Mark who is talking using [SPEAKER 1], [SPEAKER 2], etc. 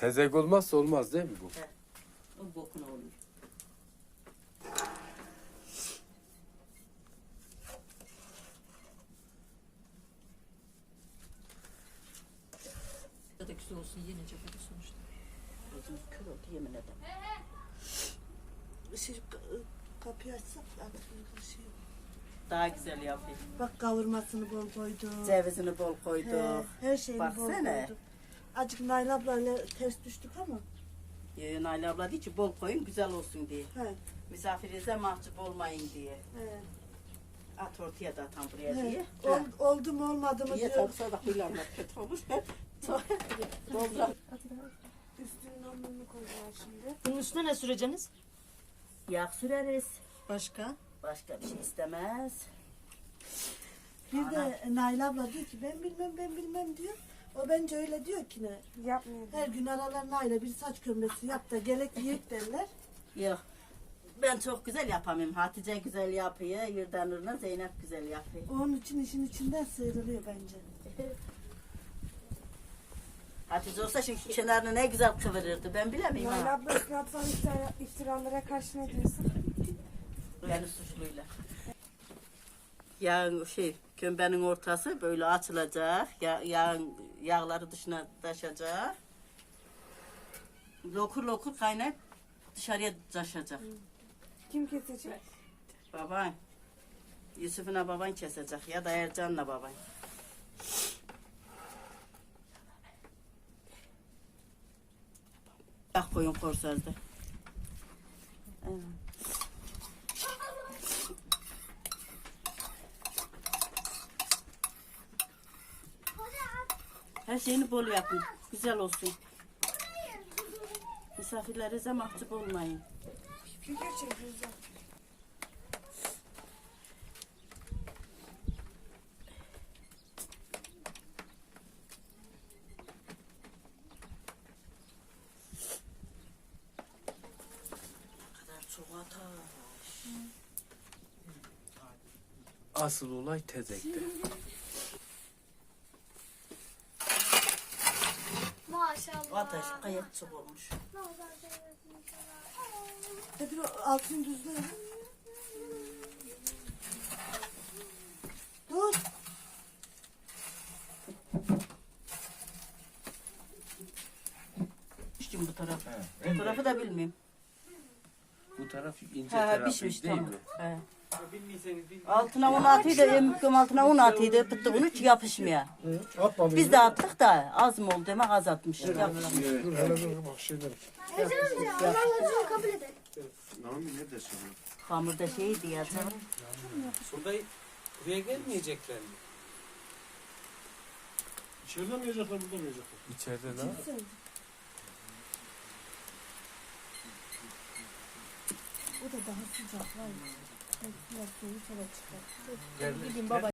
[SPEAKER 1] Tezek olmazsa olmaz değil mi bu?
[SPEAKER 2] He. O bokuna olur.
[SPEAKER 3] Ya da güzel olsun yenecek hadi sonuçta.
[SPEAKER 2] Gözüm kör oldu yemin ederim.
[SPEAKER 4] Şey, kapıyı açsak artık şey.
[SPEAKER 2] Daha güzel yapayım.
[SPEAKER 4] Bak kavurmasını bol koyduk.
[SPEAKER 2] Cevizini bol
[SPEAKER 4] He,
[SPEAKER 2] koyduk.
[SPEAKER 4] her şeyini bol
[SPEAKER 2] Baksana.
[SPEAKER 4] koyduk. Azıcık Nail ablayla ters düştük ama.
[SPEAKER 2] Nail abla diyor ki bol koyun güzel olsun diye.
[SPEAKER 4] He,
[SPEAKER 2] Misafirinize mahcup olmayın diye.
[SPEAKER 4] he,
[SPEAKER 2] At ortaya da atan buraya
[SPEAKER 4] he.
[SPEAKER 2] diye.
[SPEAKER 4] Oldu mu olmadı mı
[SPEAKER 2] Niye
[SPEAKER 4] diyor.
[SPEAKER 2] tapsa da huylanmak kötü olur. Doldur.
[SPEAKER 4] Üstünün hamurunu koydular şimdi.
[SPEAKER 3] Bunun üstüne ne süreceğiniz?
[SPEAKER 2] Yağ süreriz.
[SPEAKER 4] Başka?
[SPEAKER 2] Başka bir şey istemez.
[SPEAKER 4] Bir de Nail abla diyor ki ben bilmem diyor. O bence öyle diyor ki ne?
[SPEAKER 5] Yapmıyor.
[SPEAKER 4] Her gün aralarına aile bir saç kömresi yap da gerek yiyip derler.
[SPEAKER 2] Yok. Ben çok güzel yapamıyorum. Hatice güzel yapıyor. Yurdanur'la Zeynep güzel yapıyor.
[SPEAKER 4] Onun için işin içinden sıyrılıyor bence.
[SPEAKER 2] Hatice olsa şimdi kenarını ne güzel kıvırırdı. Ben bilemeyim
[SPEAKER 5] Nail
[SPEAKER 2] ha.
[SPEAKER 5] abla üstüne atılan iftiralara karşı ne diyorsun?
[SPEAKER 2] Beni suçluyla. Yağın kömbenin ortası böyle açılacak. Yağları dışına taşacak. Lokur lokur kaynayıp dışarıya taşacak.
[SPEAKER 5] Kim kesecek?
[SPEAKER 2] Baban. Yusuf'una baban kesecek ya da Ercan'la baban. Bak koyun korsazda. Evet. Her şeyini bol yapın. Güzel olsun. Misafirlerinize mahcup olmayın.
[SPEAKER 5] Figür çekiyoruz.
[SPEAKER 2] Ne kadar çok ateş.
[SPEAKER 1] Asıl olay tezekte.
[SPEAKER 5] Maşallah.
[SPEAKER 2] Ateş gayet çok olmuş.
[SPEAKER 4] Hadi altını düzle. Dur.
[SPEAKER 2] Piştim bu tarafı. Bu tarafı da bilmiyorum.
[SPEAKER 1] Bu taraf ince
[SPEAKER 2] Ha,
[SPEAKER 1] tarafı
[SPEAKER 2] pişmiş
[SPEAKER 1] değil
[SPEAKER 2] tamam.
[SPEAKER 1] mi?
[SPEAKER 2] He. Altına un atıydı, emmikim altına un atıydı, pıttı bunu hiç yapışmıyor. Biz de attık da az mı oldu demek az atmışız. Yapışmıyor.
[SPEAKER 6] Dur hele dur bak şeyler.
[SPEAKER 5] Kabul edelim.
[SPEAKER 6] Nami ne desin?
[SPEAKER 2] Hamurda şeydi ya canım.
[SPEAKER 7] Burada buraya gelmeyecekler mi?
[SPEAKER 6] İçeride mi yiyecekler burada mı yiyecekler?
[SPEAKER 1] İçeride ne?
[SPEAKER 4] O da daha sıcak var ya. Biraz soğuk hava çıkar.
[SPEAKER 7] Gel.
[SPEAKER 3] Gideyim baba.